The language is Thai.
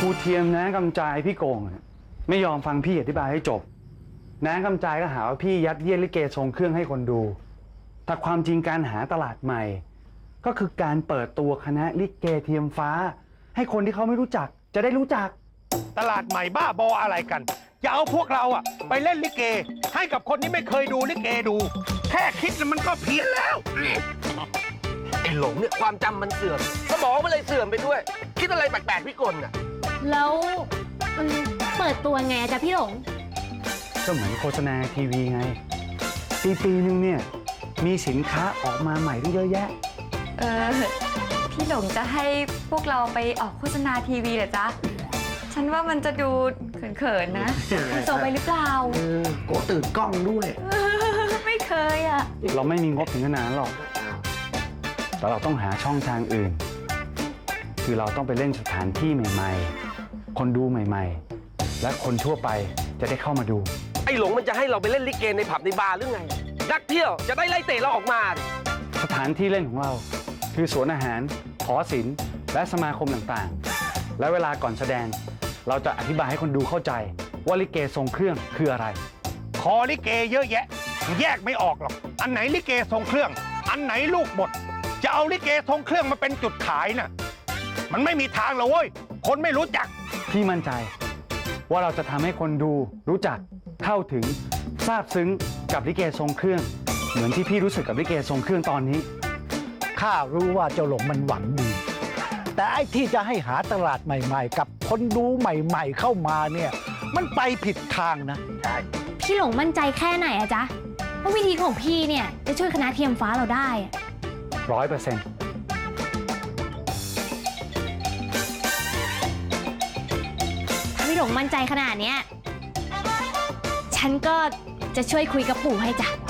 รูเทียมนะกำจายพี่โกงไม่ยอมฟังพี่อธิบายให้จบน้ากำจายก็หาว่าพี่ยัดเยียดลิเกทรงเครื่องให้คนดูแต่ความจริงการหาตลาดใหม่ก็คือการเปิดตัวคณะลิเกเทียมฟ้าให้คนที่เขาไม่รู้จักจะได้รู้จักตลาดใหม่บ้าบออะไรกันจะเอาพวกเราอะไปเล่นลิเกให้กับคนที่ไม่เคยดูลิเกดูแค่คิดมันก็เพี้ยนแล้วไอ้หลงเนี่ยความจำมันเสื่อมสมองมันเลยเสื่อมไปด้วยคิดอะไรแปลกๆพี่กลน่ะแล้วมันเปิดตัวไงจ๊ะพี่หลงก็เหมือนโฆษณาทีวีไงปีนึงเนี่ยมีสินค้าออกมาใหม่ตั้งเยอะแยะพี่หลงจะให้พวกเราไปออกโฆษณาทีวีเหรอจ๊ะฉันว่ามันจะดูเขินๆนะโซไปหรือเปล่าโกตื่นกล้องด้วยไม่เคยอ่ะเราไม่มีงบถึงขนาดนั้นหรอกแต่เราต้องหาช่องทางอื่นคือเราต้องไปเล่นสถานที่ใหม่ๆคนดูใหม่ๆและคนทั่วไปจะได้เข้ามาดูไอ้หลงมันจะให้เราไปเล่นลิเกในผับในบาร์หรือไงนักเที่ยวจะได้ไล่เตะเราออกมาสถานที่เล่นของเราคือสวนอาหารหอศิลป์และสมาคมต่างๆและเวลาก่อนแสดงเราจะอธิบายให้คนดูเข้าใจว่าลิเกทรงเครื่องคืออะไรคอลิเกเยอะแยะแยกไม่ออกหรอกอันไหนลิเกทรงเครื่องอันไหนลูกบทจะเอาลิเกทรงเครื่องมาเป็นจุดขายน่ะมันไม่มีทางหรอกเว้ยคนไม่รู้จักพี่มั่นใจว่าเราจะทำให้คนดูรู้จักเข้าถึงซาบซึ้งกับลิเกทรงเครื่องเหมือนที่พี่รู้สึกกับลิเกทรงเครื่องตอนนี้ข้ารู้ว่าเจ้าหลงมันหวังดีแต่ไอ้ที่จะให้หาตลาดใหม่ๆกับคนดูใหม่ๆเข้ามาเนี่ยมันไปผิดทางนะใช่พี่หลงมั่นใจแค่ไหนอะจ๊ะว่าวิธีของพี่เนี่ยจะช่วยคณะเทียมฟ้าเราได้ 100% ถ้าพี่หลงมั่นใจขนาดเนี้ยฉันก็จะช่วยคุยกับปู่ให้จ้ะ